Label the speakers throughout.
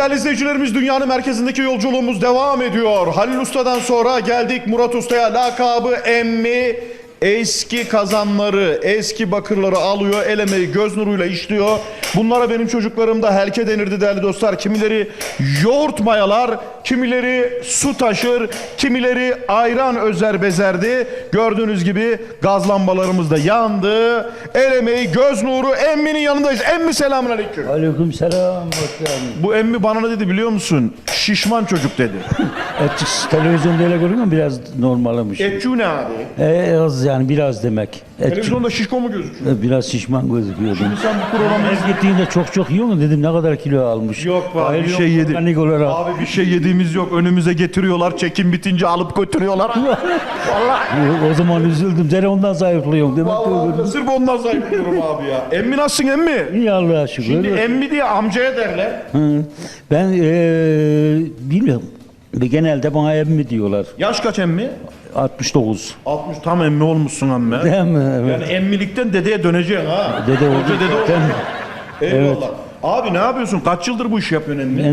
Speaker 1: değerli izleyicilerimiz, dünyanın merkezindeki yolculuğumuz devam ediyor. Halil Usta'dan sonra geldik Murat Usta'ya. Lakabı Emmi. Eski kazanları, eski bakırları alıyor, el emeği göz nuruyla işliyor. Bunlara benim çocuklarımda helke denirdi değerli dostlar. Kimileri yoğurt mayalar, kimileri su taşır, kimileri ayran özer bezerdi. Gördüğünüz gibi gaz lambalarımız da yandı. El emeği göz nuru Emmi'nin yanındayız. Emmi, selamünaleyküm.
Speaker 2: Aleykümselam.
Speaker 1: Bu Emmi bana ne dedi biliyor musun? Şişman çocuk dedi.
Speaker 2: Televizyonda öyle görünüyor mu? Biraz normalmiş.
Speaker 1: Etçu ne abi?
Speaker 2: Az yani biraz demek.
Speaker 1: Televizyonda şişko mu gözüküyor?
Speaker 2: Biraz şişman gözüküyordu.
Speaker 1: Şimdi sen bu programı
Speaker 2: Her gittiğinde çok yiyor mu dedim, ne kadar kilo almış.
Speaker 1: Yok be abi, bir
Speaker 2: Bayılıyorum
Speaker 1: şey yedi.
Speaker 2: organik olarak.
Speaker 1: Abi bir şey yediğimiz yok. Önümüze getiriyorlar. Çekim bitince alıp götürüyorlar. Vallahi.
Speaker 2: O zaman üzüldüm. Seni ondan zayıflıyorum demek ki.
Speaker 1: Vallahi sırf ondan zayıflıyorum abi ya. Emmi nasılsın Emmi?
Speaker 2: İyi Allah'a şükür.
Speaker 1: Şimdi Emmi diye amcaya derler.
Speaker 2: Hı. Ben bilmiyorum. Genelde bana emmi diyorlar.
Speaker 1: Yaş kaç Emmi?
Speaker 2: 69.
Speaker 1: 60, tam Emmi olmuşsun Emmi.
Speaker 2: Değil mi? Evet.
Speaker 1: Yani emmilikten dedeye döneceksin ha.
Speaker 2: Dede oldu.
Speaker 1: Hoca dede
Speaker 2: Ben,
Speaker 1: oldu. Eyvallah. Abi ne yapıyorsun? Kaç yıldır bu işi yapıyorsun Emmi?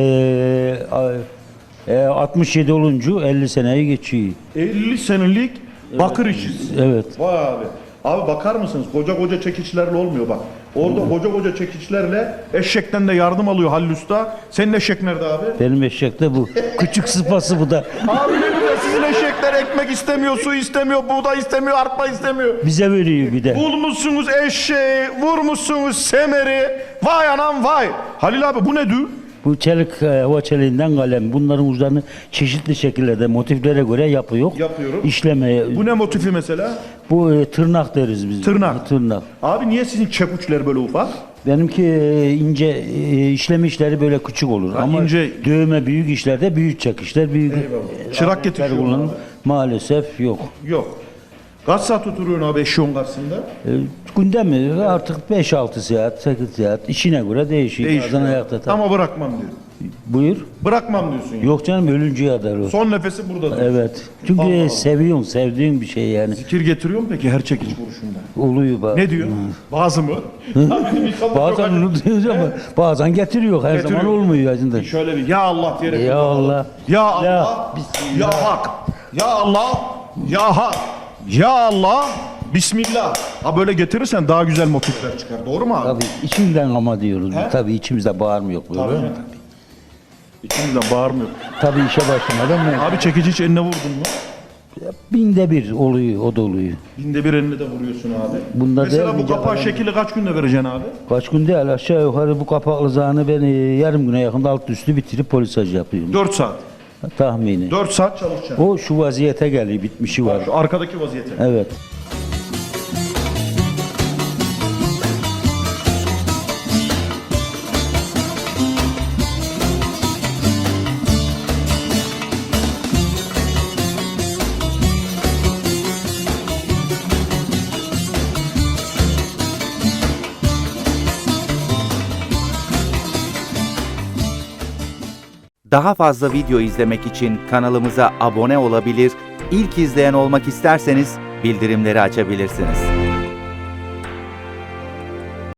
Speaker 2: ben 67 olunca 50 seneyi geçiyor.
Speaker 1: 50 senelik bakır işçisi.
Speaker 2: Evet.
Speaker 1: Vay abi. Abi bakar mısınız? Koca koca çekiçlerle olmuyor bak. Orada koca koca çekiçlerle eşekten de yardım alıyor Halil Usta. Senin eşek nerede abi?
Speaker 2: Benim eşekte bu. Küçük sıpası bu da.
Speaker 1: Abi ne güzel, sizin eşekler ekmek istemiyor, su istemiyor, buğday istemiyor, arpa istemiyor.
Speaker 2: Bize veriyor bir de.
Speaker 1: Bulmuşsunuz eşeği, vurmuşsunuz semeri. Vay anam vay. Halil abi bu ne dü?
Speaker 2: Bu çelik, hava çeliğinden kalem. Bunların uçlarını çeşitli şekillerde, motiflere göre yapıyor.
Speaker 1: Yapıyorum.
Speaker 2: İşlemeye.
Speaker 1: Bu ne motifi mesela?
Speaker 2: Bu tırnak deriz biz.
Speaker 1: Tırnak.
Speaker 2: Tırnak.
Speaker 1: Abi niye sizin çepuçlar böyle ufak?
Speaker 2: Benimki ince işleme işleri böyle küçük olur.
Speaker 1: Ha,
Speaker 2: ama
Speaker 1: ince.
Speaker 2: dövme büyük işlerde büyük çekişler, büyük.
Speaker 1: Çırak getiriyor
Speaker 2: kullanım
Speaker 1: abi.
Speaker 2: maalesef yok.
Speaker 1: Yok. Kaç saat oturuyorsun abi eşeğin karşısında?
Speaker 2: Günde mi? Artık 5-6 saat, 8 saat. İşine göre değişiyor. Bazen ayakta tabii.
Speaker 1: Ama bırakmam diyor.
Speaker 2: Buyur.
Speaker 1: Bırakmam diyorsun ya.
Speaker 2: Yok canım, ölünceye kadar o.
Speaker 1: Son nefesi burada diyorsun.
Speaker 2: Evet. Çünkü
Speaker 1: Allah Allah.
Speaker 2: seviyorsun, sevdiğin bir şey yani.
Speaker 1: Zikir getiriyor mu peki her çekiç vuruşunda?
Speaker 2: Oluyor bazen.
Speaker 1: Ne diyor? Bazı mı? Ha, bizim insanlar çok
Speaker 2: Bazen
Speaker 1: acı-
Speaker 2: unutuyoruz ama bazen getiriyor. Her
Speaker 1: Getiriyor.
Speaker 2: zaman olmuyor aslında.
Speaker 1: Şöyle bir ya Allah diyerek.
Speaker 2: Ya Allah.
Speaker 1: Ya Allah. Ya Hak. Ya Allah. Ya Hak. Ya Allah. Bismillah. Ha böyle getirirsen daha güzel motifler çıkar. Doğru mu abi?
Speaker 2: Tabii içimden ama diyoruz.
Speaker 1: He?
Speaker 2: Tabii içimizde bağırmıyor böyle.
Speaker 1: Tabii. İçimizden bağırmıyor.
Speaker 2: Tabii işe başlamadan mı?
Speaker 1: Abi çekici hiç eline vurdun mu?
Speaker 2: Binde bir oluyor, o da oluyor.
Speaker 1: Binde bir eline de vuruyorsun abi.
Speaker 2: Bunda
Speaker 1: Mesela
Speaker 2: değil
Speaker 1: bu
Speaker 2: mi
Speaker 1: kapağı
Speaker 2: canım?
Speaker 1: şekli kaç günde vereceksin abi?
Speaker 2: Kaç gün değil, aşağı yukarı bu kapaklı zahını ben yarım güne yakında alt üstü bitirip polisaj yapıyorum.
Speaker 1: 4 saat.
Speaker 2: Tahmini.
Speaker 1: 4 saat çalışacaksın.
Speaker 2: O şu vaziyete geliyor, bitmişi var.
Speaker 1: Şu arkadaki vaziyete.
Speaker 2: Evet.
Speaker 3: Daha fazla video izlemek için kanalımıza abone olabilir, ilk izleyen olmak isterseniz bildirimleri açabilirsiniz.